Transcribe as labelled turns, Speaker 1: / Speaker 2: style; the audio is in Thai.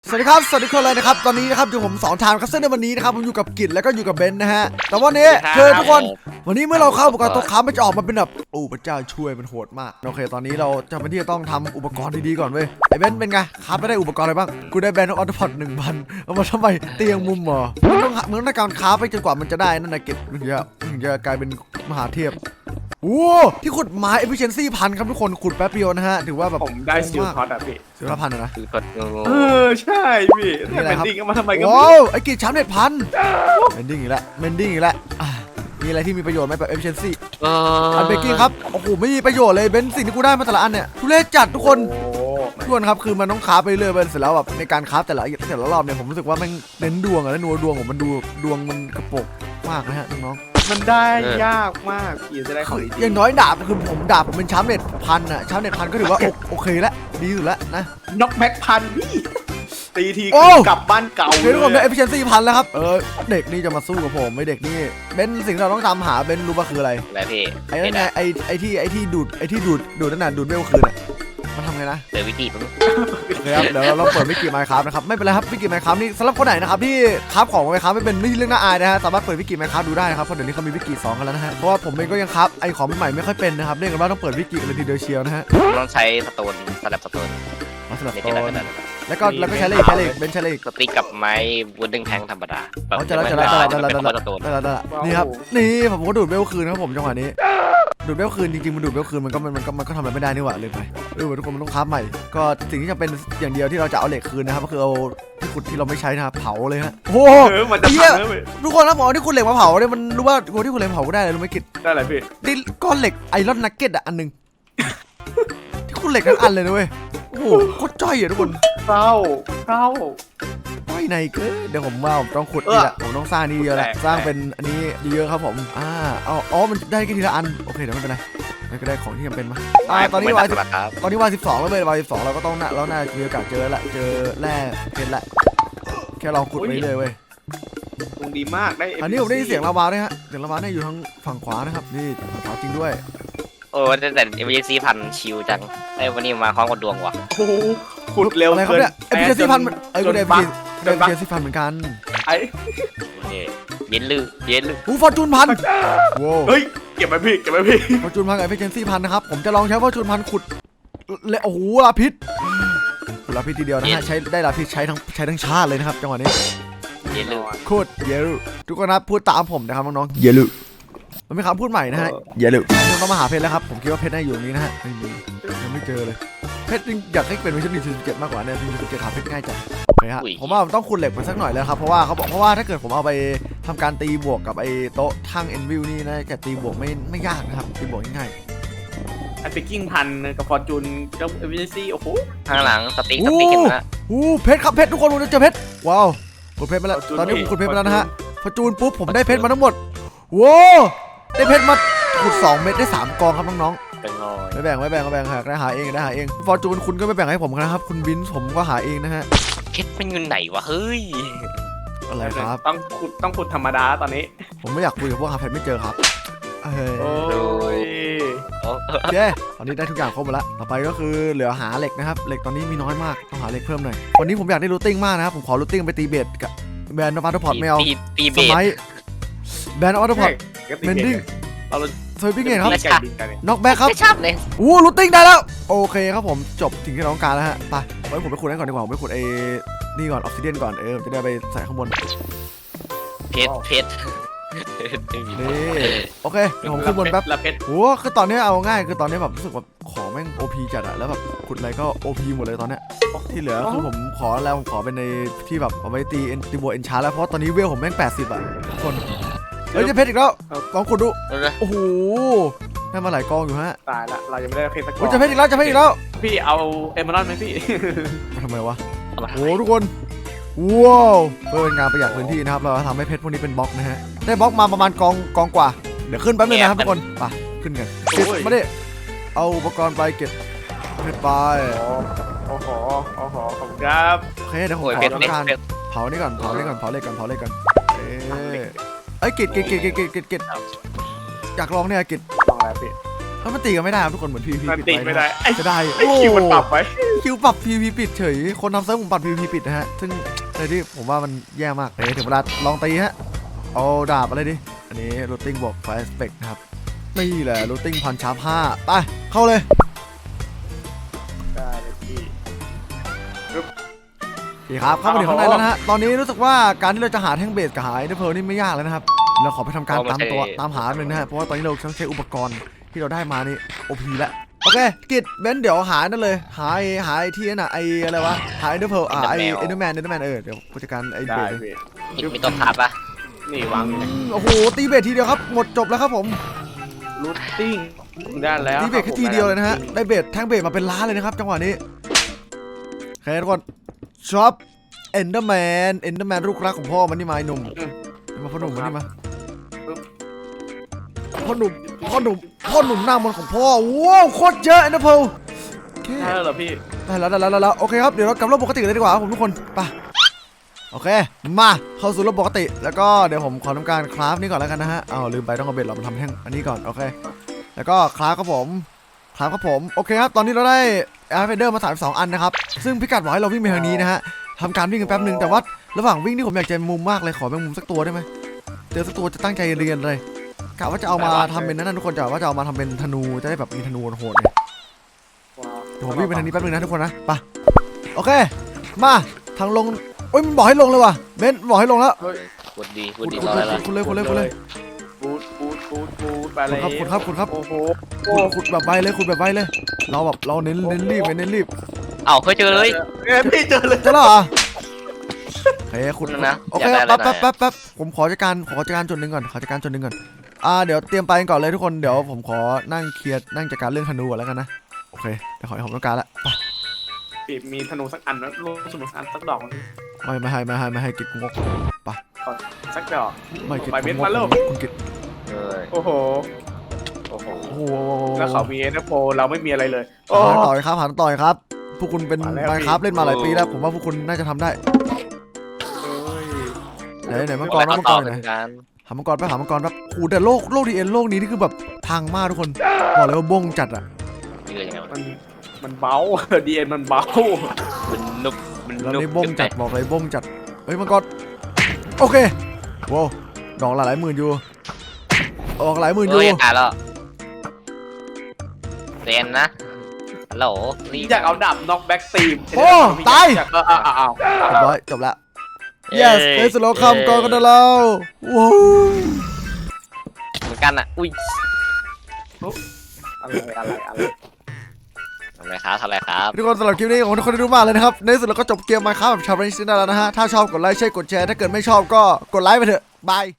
Speaker 1: สวัสดีครับสวัสดีคนเลยนะครับตอนนี้นะครับอยู่ผม2 ทางครับซึ่งในวันนี้นะครับผมอยู่กับกิจแล้วก็อยู่กับเบนซ์นะฮะแต่วันนี้คือทุกคนวันนี้เมื่อเราเข้าอุปกรณ์โต๊ะค้ามันจะออกมาเป็นแบบโอ้พระเจ้าช่วยมันโหดมากโอเคตอนนี้เราจำเป็นที่จะต้องทำอุปกรณ์ดีๆก่อนเว้ยไอ้เบนซ์เป็นไงครับไม่ได้อุปกรณ์อะไรบ้างกูได้แบนด์ออโต้พอด1,000เอามาทำไมเตียงมุมหรอมึงต้องการค้าไปจนกว่ามันจะได้นั่นนะกิจถึงจะกลายเป็นมหาเทพโอ้ที่ขุดไม้ efficiency 1,000ครับทุกคนขุดแป๊บเดียวนะฮะถือว่าแบบ
Speaker 2: ผมได้ซิลท็อตอ่ะพี่
Speaker 1: ซิลละ1,000นะ
Speaker 3: คือก็งง
Speaker 2: ใช่พี่แต่เป็นดิ้งมาทำไมกัน
Speaker 1: ว้าวไอ้กิจช้ำ1,000เมนดิ้งอีกแล้วมีอะไรที่มีประโยชน์ไหมแบบ efficiency อันเบกกิ้งครับโอ้โหไม่มีประโยชน์เลยเบนสิ่งที่กูได้มาแต่ละอันเนี่ยทุเรศจัดทุกคนครับคือมันต้องคราฟไปเรื่อยๆเสร็จแล้วแบบในการคราฟแต่ละรอบเนี่ยผมรู้สึกว่ามันเน้นดวงอะแล้วดวงผมมันดูดวงมันกระปกมากนะฮะน้อง
Speaker 2: มันได้ยากมากพี่จะได้ของดี
Speaker 1: อย่างน้อยดาบคือผมเป็นช้ำเน็ต1,000อะช้ำเน็ต1,000ก็ถือว่าโอเคแล้วดีสุดแล้วนะ
Speaker 2: น็อกแม็กพันพี่ตีทีกลับบ้านเก่า
Speaker 1: เลยทุกคนได้ efficiency 1,000แล้วครับเด็กนี่จะมาสู้กับผมไม่เด็กนี่เบนสิ่งที่เราต้องทำหาเบนรู้ป่ะคืออะไร
Speaker 3: พี่
Speaker 1: ไอ้นั่นไงไอ้ที่ดูดนั่นน่ะดูดเวลคืนอ่ะมันทำไงนะ
Speaker 3: เดี๋ยววิธีผม
Speaker 1: ครับเดี๋ยวเราเปิดวิกิไมค์ครับนะครับไม่เป็นไรครับวิกิไมค์ครับนี่สำหรับคนไหนนะครับที่คราฟของไมค์ครับไม่เป็นเรื่องน่าอายนะฮะสามารถเปิดวิกิไมค์ครับดูได้นะครับเพราะเดี๋ยวนี้เขามีวิกิ2กันแล้วนะฮะเพราะว่าผมเองก็ยังคราฟไอ้ของใหม่ไม่ค่อยเป็นนะครับเรียกกันว่าต้องเปิดวิกิกันเลยทีเดียวเชียวนะฮะ
Speaker 3: ต้องใช้สโตนสลับสโตน
Speaker 1: แล้วก็ใช้เลขเบนใช้เลข
Speaker 3: สติ๊กกับไม้วูดดึงแทงธรรมดา
Speaker 1: จะแล้วนี่ครับนี่ผมก็ดูดเวลคืนครับผมจังหวะนี้ดูดเวลคืนจริงๆมันดูดเวลคืนมันก็ทำอะไรไม่ได้นี่หว่าเลยไปทุกคนมันต้องคราฟใหม่ก็สิ่งที่จะเป็นอย่างเดียวที่เราจะเอาเหล็กคืนนะครับก็คือเอาที่ขุดที่เราไม่ใช้นะครับเผาเลยฮะโอ้เหี้ยทุกคนนะหมอที่ขุดเหล็กมาเผาเนี่ยมันรู้ว่าที่ขุดเหล็กเผาก็ได้เลยรู้ไหมกิจ
Speaker 2: ได้อะไรพี่
Speaker 1: ดิก้อนเหล็กไอรอนนักเก็ตอ่ะอันนึงที่ขุดเหล็กทั้งอันเลยนะเว้ยโอ้โหโคตรจ้อยอ่ะทุกคน
Speaker 2: เศร้า
Speaker 1: จ้อยในเกินเดี๋ยวผมว่าผมต้องขุดนี่แหละผมต้องสร้างนี่เยอะแหละสร้างเป็นอันนี้เยอะครับผมอ๋อมันได้แค่ทีละอันโอเคเดี๋ยวไม่เป็นไรก็ได้ของที่จำเป็นมาตอนนี้วัน12แล้วเลยวัน12เราก็ต้องเราน่ามีโอกาสเจอละเจอแร่เพชรละแค่ลองขุดไปเลยเว้ย
Speaker 2: ตรงดีมากได้
Speaker 1: อันนี้ผมได้ยินเสียงลาวาด้วยฮะเสียงลาวาเนี่ยอยู่ทางฝั่งขวานะครับนี่ฝั่งขวาจริงด้วย
Speaker 3: โอ้แต่เอเวอเรซี่พันชิวจังไอ้วันนี้มาคล้องกับดวงว่ะ
Speaker 2: โอ้ขุดเร็ว
Speaker 1: อะไรครับเนี่ยเอเวอเรซี่พันก็ได้เอเวอเรซี่พันเหมือนกัน
Speaker 2: ไอ้
Speaker 3: เย็นลือ
Speaker 1: ฟอร์จูนพัน
Speaker 2: เฮ้ยเก็บไปพี่
Speaker 1: ฟอร์จูนพันกับเอเวอเรซี่พันนะครับผมจะลองใช้ฟอร์จูนพันขุดโอ้โหลาพิษทีเดียวนะฮะใช้ได้ลาพิษใช้ทั้งชาติเลยนะครับจังหวะนี้
Speaker 3: เย็นลือ
Speaker 1: โคตรเยลุทุกคนนะพูดตามผมนะครับน้องๆเยลุมันเป็นคำพูดใหม่นะฮะเยลุต้องมาหาเพชรแล้วครับผมคิดว่าเพชรน่าอยู่ตรงนี้นะฮะไม่มียังไม่เจอเลยเพชรอยากให้เป็นเวอร์ชัน1.7มากกว่าเนี่ย1.7หาเพชรง่ายจังโอเคฮะผมว่าต้องขุดเหล็กมาสักหน่อยแล้วครับเพราะว่าถ้าเกิดผมเอาไปทำการตีบวกกับไอ้โต๊ะทั้งเอ็นวิวนี่นะจะตีบวกไม่ยากนะครับตีบวกง่าย
Speaker 2: ไอ้เบกกิ้งพันกับฟอร์จูนแล้วเอเวอเรซี่โอ้โห
Speaker 3: ข้างหลังสติ๊กเห็นไหม
Speaker 1: เพชรครับเพชรทุกคนผมจะเจอเพชรว้าวขุดเพชรมาแล้วตอนนี้ผมขุดเพชรมาแล้วนะฮะฟอร์จูนปุ๊บผมได้เพชรมาทั้งหมดว้าวได้เพชรมาขุด2 เม็ดได้3 กองครับน้องๆไม่แบ่งค่ะได้หาเองฟอร์จูนคุณก็ไม่แบ่งให้ผมนะครับคุณวินผมก็หาเองนะฮะ
Speaker 3: เพชรเป็นเงินไหนวะเฮ้ย
Speaker 1: อะไรครับ
Speaker 2: ต้องขุดธรรมดาตอนนี้
Speaker 1: ผมไม่อยากคุยกับพวกหาเพชรไม่เจอครับ
Speaker 2: โอ้ย
Speaker 1: ตอนนี้ได้ทุกอย่างครบหมดแล้วต่อไปก็คือเหลือหาเหล็กนะครับเหล็กตอนนี้มีน้อยมากต้องหาเหล็กเพิ่มหน่อยวันนี้ผมอยากได้รูทติ้งมากนะครับผมขอรูทติ้งไปตีเบสกับแบนด์ออโต้พอร์ตไม่เอา
Speaker 3: ตีเบส
Speaker 1: แบนด์ออโต้พอร์ตเมนดิ้งเซอร์วิ่งเองครับน็อกแบ็คครับ
Speaker 3: เลย
Speaker 1: รูทติ้งได้แล้วโอเคครับผมจบสิ่งที่เราต้องการแล้วฮะไปไว้ผมไปขุดให้ก่อนดีกว่าผมไปขุดนี่ก่อนออกซิเดียนก่อนจะได้ไปใส่ข้างบน
Speaker 3: เพชร
Speaker 1: นี่โอเคเดี๋ยวผมขึ้นบนแป๊บโอ้คือตอนนี้เอาง่ายคือตอนนี้แบบรู้สึกแบบของแม่ง OP จัดอะแล้วแบบขุดอะไรก็ OP หมดเลยตอนเนี้ยที่เหลือคือผมขอเป็นในที่แบบเอาไว้ตีบัวเอ็นชาร์แล้วเพราะตอนนี้เวลผมแม่ง80อะทุกคนจะเพชรอีกแล้วกองขุดดูโอ้โหได้มาหลายกองอยู่ฮะ
Speaker 2: ตายละเรายังไม่ได้เพชรสักกอง
Speaker 1: จะเพชรอีกแล้ว
Speaker 2: พี่เอาเอเมอรัลด์ไหมพี่
Speaker 1: ทำไมวะโอ้ทุกคนว้าวเพื่อเป็นงานประหยัดพื้นที่นะครับเราทำให้เพชรพวกนี้เป็นบล็อกนะฮะได้บล็อกมาประมาณกองกว่าเดี๋ยวขึ้นแป๊บนึงนะครับทุกคนไปขึ้นกันมาดิเอาอุปกรณ์ไปเก็บเพชรไป
Speaker 2: โอ้โหขอบคุณครับ
Speaker 1: โอเคเดี๋ยวผมขอทำการเผานี่ก่อนเผาเหล็กก่อนไอ้กิจอยากลองเนี่ยกิจ
Speaker 2: ลองอะไรพี่
Speaker 1: แล้วมันตีกันไม่ได้ครับทุกคนเหมือน PVP
Speaker 2: มัน
Speaker 1: ปิด
Speaker 2: ติ
Speaker 1: ไว้
Speaker 2: ไม่ได้ไอ้
Speaker 1: จะได้
Speaker 2: ไอ้คิวมันปรับไว้
Speaker 1: คิวปรับ PVP ปิดเฉยคนทำเซิร์ฟผมปรับ PVP ปิดนะฮะซึ่งในที่ผมว่ามันแย่มากเดี๋ยวถึงเวลาลองตีฮะเอาดาบอะไรดิอันนี้ looting บวก fire spec นะครับนี่แหละ looting พันชาร์ป5ไปเข้าเลย
Speaker 2: ได้เลยพี่
Speaker 1: โอเคครับเข้ามาถึงข้างในแล้วนะฮะตอนนี้รู้สึกว่าการที่เราจะหาแท่งเบสกับหาไอ้เพลนี่ไม่ยากแล้วนะครับเราขอไปทำการตามหาหนึ่งนะฮะเพราะว่าตอนนี้เราต้องใช้อุปกรณ์ที่เราได้มานี่ OP แล้วโอเคกิจเบนเดี๋ยวหานั่นเลยหาไอ้ที่นั่นน่ะไอ้อะไรวะหาไอ้เพลไอ้เอนเดอร์แมนเดี๋ยวผู้จัดการไอ้เบ
Speaker 2: ได้
Speaker 1: ส
Speaker 2: พี่
Speaker 3: มีตัวพับปะ
Speaker 2: นี่วางอยู่
Speaker 1: โอ้โหตีเบสทีเดียวครับหมดจบแล้วครับผม
Speaker 2: รูทติ้งได้แล้ว
Speaker 1: ตีเบสแค่ทีเดียวเลยนะฮะได้เบสแท่งเบสมาเป็นล้านเลยนะครับจังหวะนี้โอเคทุกคนช็อปเอนเดอร์แมนลูกรักของพ่อมันนี่มาไอ้หนุ่มมาพ่อหนุ่มมันนี่มาพ่อหนุ่มหน้ามนต์ของพ่อว้าวโคตรเยอะนะเพลโอเค
Speaker 2: ได้แล้วเหรอพี่
Speaker 1: ได้แล้วโอเคครับเดี๋ยวเรากลับระบบปกติเลยดีกว่าครับผมทุกคนไปโอเคมาเข้าสู่ระบบปกติแล้วก็เดี๋ยวผมขอทำการคราฟนี่ก่อนแล้วกันนะฮะลืมไปต้องเอาเบ็ดเรามาทำแท่งอันนี้ก่อนโอเคแล้วก็คราฟครับผมโอเคครับตอนนี้เราได้แอร์เฟเดอร์มา32อันนะครับซึ่งพิกัดบอกให้เราวิ่งไปทางนี้นะฮะทำการวิ่งกันแป๊บนึงแต่ว่าระหว่างวิ่งนี่ผมอยากจะมุมมากเลยขอเป็นมุมสักตัวได้ไหมเจอสักตัวจะตั้งใจเรียนเลยกะว่าจะเอามาทำเป็นนั่นทุกคนจะว่าจะเอามาทำเป็นธนูจะได้แบบมีธนูโหดเลย เดี๋ยวผมวิ่งไปทางนี้แป๊บนึงนะทุกคนนะไปโอเคมาทางลงโอ้ยมันบอกให้ลงเลยว่ะเบนบอกให้ลงแล้ว
Speaker 3: กดดี
Speaker 1: ขุด
Speaker 3: รออะไรล่ะ
Speaker 1: เลย
Speaker 2: บูดไปเลย
Speaker 1: ขุดครับ
Speaker 2: โอ้โห
Speaker 1: ขุดแบบไวเลยเราเน้นรีบ
Speaker 3: เอ้าเคยเจอเลย
Speaker 2: พี่เจอเลย
Speaker 1: เจะแล้วเหรอเฮ้ยขุด
Speaker 3: นะ
Speaker 1: โอเคแป๊บผมขอจัดการจุดหนึ่งก่อนเดี๋ยวเตรียมไปกันก่อนเลยทุกคนเดี๋ยวผมขอนั่งเคลียร์นั่งจัดการเรื่องธนูก่อนแล้วกันนะโอเคเดี๋ยวขอให้ผมต้องการละไป
Speaker 2: พี่มีธนูสักอันนะลูกธนูสักอันสักดอก
Speaker 1: ไม่ให้กิจงกไป
Speaker 2: สักดอก
Speaker 1: ไม่กิจ
Speaker 2: ไปเม็ด
Speaker 1: ง
Speaker 2: มาเร็ว
Speaker 1: คุณกิจ
Speaker 2: โอ้โห
Speaker 1: โอ้โห
Speaker 2: แล้วเขามีเอเนโฟเราไม่มีอะไรเลย
Speaker 1: หาต่อยครับพวกคุณเป็น
Speaker 2: มาแล้ว
Speaker 1: มาครับ
Speaker 2: พี่
Speaker 1: เล่นมาหลายปีแล้วผมว่าพวกคุณน่าจะทำได้ไหนมังกร
Speaker 3: ต่อ
Speaker 1: ไหน
Speaker 3: เป็นการ
Speaker 1: หามังกรแป๊บโอ้แต่โลกดีเอ็นโลกนี้นี่คือแบบพังมากทุกคนบอกเลยว่าบ้งจัดอ่ะ
Speaker 3: ยืดยังไงวะ
Speaker 2: มันเบาดีเอ็นมันเบา
Speaker 3: มันนุบ
Speaker 1: แล้วนี่บ้งจัดบอกเลยบ้งจัดเฮ้ยมังกรโอเคโว้ดอกหลายหมื่นอยู่ออกหลายหมื่นอยู่
Speaker 3: ตายแล้วเซนนะฮัลโหลรีบ
Speaker 2: อยากเอาดับน็อกแบ็กตีม
Speaker 1: โอ้ตาย
Speaker 2: อ้าว
Speaker 1: เรียบร้อยจบแล้ว yes เฮ้ยสโลคัมก่อนกันได้แล้วว้าว
Speaker 3: เหมือนกันอ่ะอุ้ย
Speaker 2: อะไร
Speaker 3: ทำไรครับ
Speaker 1: ทุกคนสำหรับคลิปนี้ของทุกคนได้ดูมากเลยนะครับในที่สุดเราก็จบเกมมาครับแบบชาวเรนซินได้แล้วนะฮะถ้าชอบกดไลค์ใช่กดแชร์ถ้าเกิดไม่ชอบก็กดไลค์ไปเถอะบาย